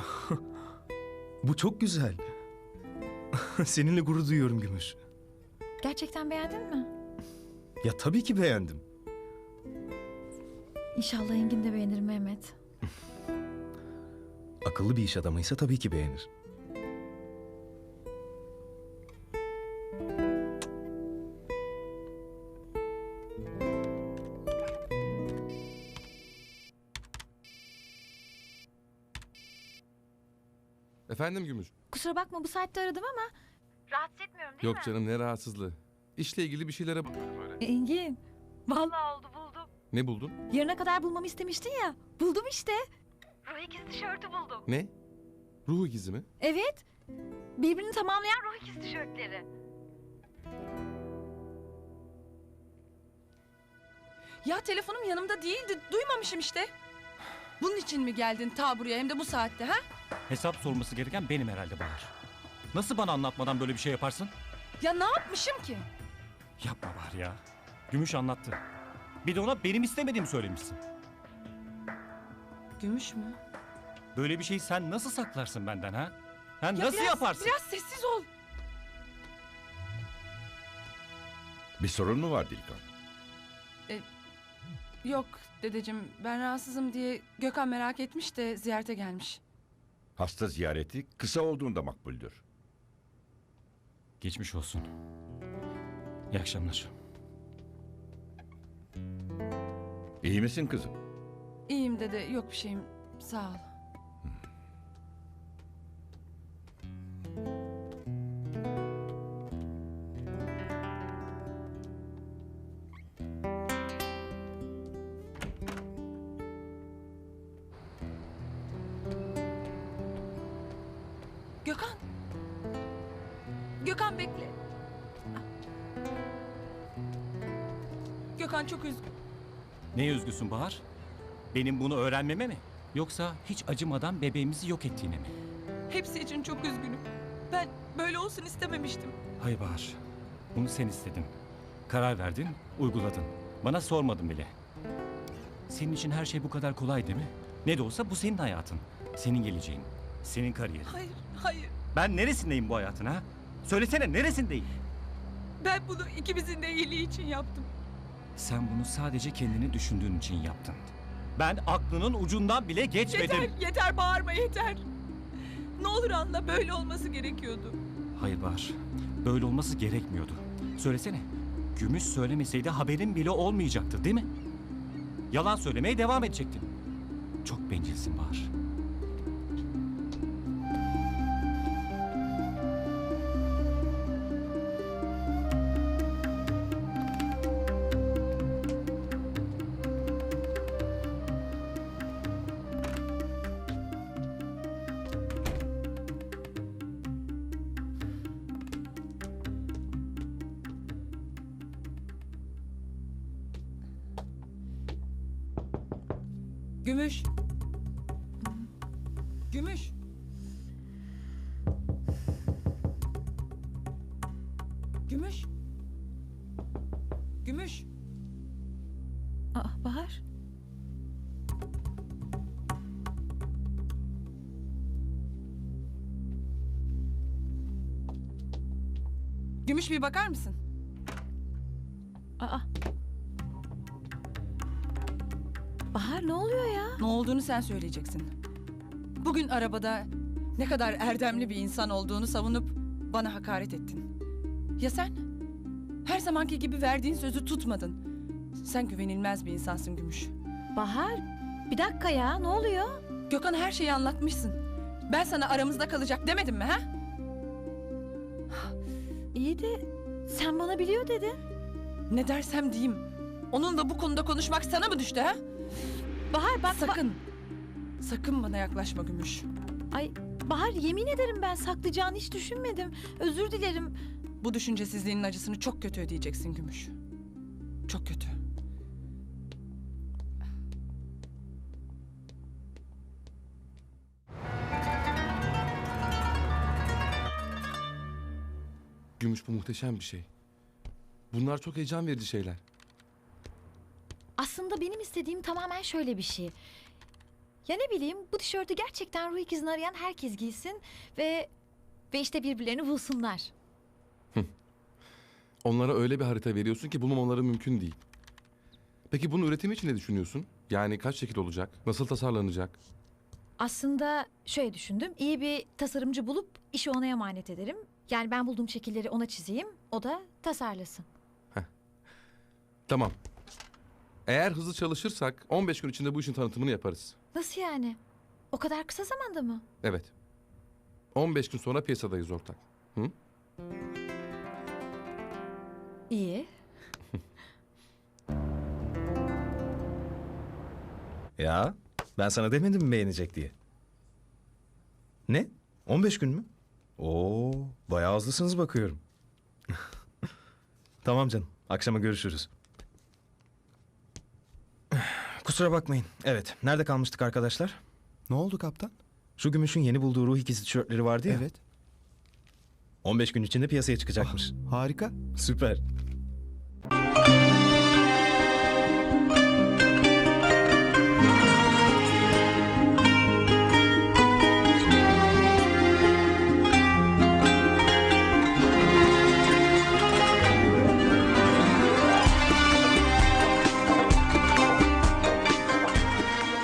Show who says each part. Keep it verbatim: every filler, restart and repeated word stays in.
Speaker 1: Bu çok güzel. Seninle gurur duyuyorum Gümüş.
Speaker 2: Gerçekten beğendin mi?
Speaker 1: Ya tabii ki beğendim.
Speaker 2: İnşallah Engin de beğenir Mehmet.
Speaker 1: Akıllı bir iş adamıysa tabii ki beğenir.
Speaker 3: Efendim Gümüş?
Speaker 2: Kusura bakma bu saatte aradım ama... Rahatsız etmiyorum değil
Speaker 3: Yok
Speaker 2: mi?
Speaker 3: canım, ne rahatsızlığı. İşle ilgili bir şeylere bakıyorum öyle.
Speaker 2: Engin. Vallahi oldu buldum.
Speaker 3: Ne buldun?
Speaker 2: Yarına kadar bulmamı istemiştin ya. Buldum işte. Ruh ikizi tişörtü buldum.
Speaker 3: Ne? Ruh ikizi mi?
Speaker 2: Evet. Birbirini tamamlayan ruh ikizi tişörtleri.
Speaker 4: Ya telefonum yanımda değildi. Duymamışım işte. Bunun için mi geldin ta buraya hem de bu saatte ha?
Speaker 5: Hesap sorması gereken benim herhalde Bahar. Nasıl bana anlatmadan böyle bir şey yaparsın?
Speaker 4: Ya ne yapmışım ki?
Speaker 5: Yapma Bahar ya. Gümüş anlattı. Bir de ona benim istemediğimi söylemişsin.
Speaker 4: Gümüş mü?
Speaker 5: Böyle bir şeyi sen nasıl saklarsın benden ha? Ha
Speaker 4: Ya
Speaker 5: nasıl
Speaker 4: biraz,
Speaker 5: yaparsın?
Speaker 4: Biraz sessiz ol.
Speaker 6: Bir sorun mu var Dilkan?
Speaker 4: Yok dedeciğim, ben rahatsızım diye Gökhan merak etmiş de ziyarete gelmiş.
Speaker 6: Hasta ziyareti kısa olduğunda makbuldür.
Speaker 5: Geçmiş olsun. İyi akşamlar.
Speaker 6: İyi misin kızım?
Speaker 4: İyiyim dede, yok bir şeyim. Sağ ol. Gökhan. Gökhan bekle. Gökhan çok üzgün.
Speaker 5: Neye üzgüsün Bahar? Benim bunu öğrenmeme mi? Yoksa hiç acımadan bebeğimizi yok ettiğine mi?
Speaker 4: Hepsi için çok üzgünüm. Ben böyle olsun istememiştim.
Speaker 5: Hayır Bahar. Bunu sen istedin. Karar verdin, uyguladın. Bana sormadın bile. Senin için her şey bu kadar kolay değil mi? Ne de olsa bu senin hayatın. Senin geleceğin. Senin kariyerin.
Speaker 4: Hayır, hayır.
Speaker 5: Ben neresindeyim bu hayatın ha? Söylesene neresindeyim?
Speaker 4: Ben bunu ikimizin de iyiliği için yaptım.
Speaker 5: Sen bunu sadece kendini düşündüğün için yaptın. Ben aklının ucundan bile geçmedim.
Speaker 4: Yeter, yeter bağırma yeter. Ne olur anla, böyle olması gerekiyordu.
Speaker 5: Hayır Bahar, böyle olması gerekmiyordu. Söylesene, Gümüş söylemeseydi haberin bile olmayacaktı değil mi? Yalan söylemeye devam edecektin. Çok bencilsin Bahar.
Speaker 4: Gümüş. Gümüş. Gümüş. Gümüş.
Speaker 2: Aa, Bahar.
Speaker 4: Gümüş bir bakar mısın?
Speaker 2: Aa. Bahar ne oluyor ya?
Speaker 4: Ne olduğunu sen söyleyeceksin. Bugün arabada ne kadar erdemli bir insan olduğunu savunup bana hakaret ettin. Ya sen? Her zamanki gibi verdiğin sözü tutmadın. Sen güvenilmez bir insansın Gümüş.
Speaker 2: Bahar bir dakika ya ne oluyor?
Speaker 4: Gökhan her şeyi anlatmışsın. Ben sana aramızda kalacak demedim mi ha?
Speaker 2: İyi de sen bana biliyor dedin.
Speaker 4: Ne dersem diyeyim. Onunla bu konuda konuşmak sana mı düştü ha?
Speaker 2: Bahar bak...
Speaker 4: Sakın. Sakın bana yaklaşma Gümüş.
Speaker 2: ba- Ay Bahar yemin ederim ben saklayacağını hiç düşünmedim. Özür dilerim.
Speaker 4: Bu düşüncesizliğinin acısını çok kötü ödeyeceksin Gümüş. Çok kötü.
Speaker 3: Gümüş, bu muhteşem bir şey. Bunlar çok heyecan verici şeyler.
Speaker 2: Aslında benim istediğim tamamen şöyle bir şey. Ya ne bileyim, bu tişörtü gerçekten ruh ikizini arayan herkes giysin ve ve işte birbirlerini bulsunlar.
Speaker 3: Onlara öyle bir harita veriyorsun ki bulmamaları mümkün değil. Peki bunun üretimi için ne düşünüyorsun? Yani kaç şekil olacak? Nasıl tasarlanacak?
Speaker 2: Aslında şöyle düşündüm. İyi bir tasarımcı bulup işi ona emanet ederim. Yani ben bulduğum şekilleri ona çizeyim, o da tasarlasın.
Speaker 3: Tamam. Eğer hızlı çalışırsak on beş gün içinde bu işin tanıtımını yaparız.
Speaker 2: Nasıl yani? O kadar kısa zamanda mı?
Speaker 3: Evet. on beş gün sonra piyasadayız ortak. Hı?
Speaker 2: İyi.
Speaker 1: Ya ben sana demedim mi beğenecek diye? Ne? on beş gün mü? Oo, bayağı hızlısınız bakıyorum. Tamam canım. Akşama görüşürüz. Kusura bakmayın. Evet. Nerede kalmıştık arkadaşlar?
Speaker 7: Ne oldu kaptan?
Speaker 1: Şu Gümüş'ün yeni bulduğu ruh ikizi tişörtleri vardı ya.
Speaker 7: Evet.
Speaker 1: on beş gün içinde piyasaya çıkacakmış.
Speaker 7: Harika.
Speaker 1: Süper.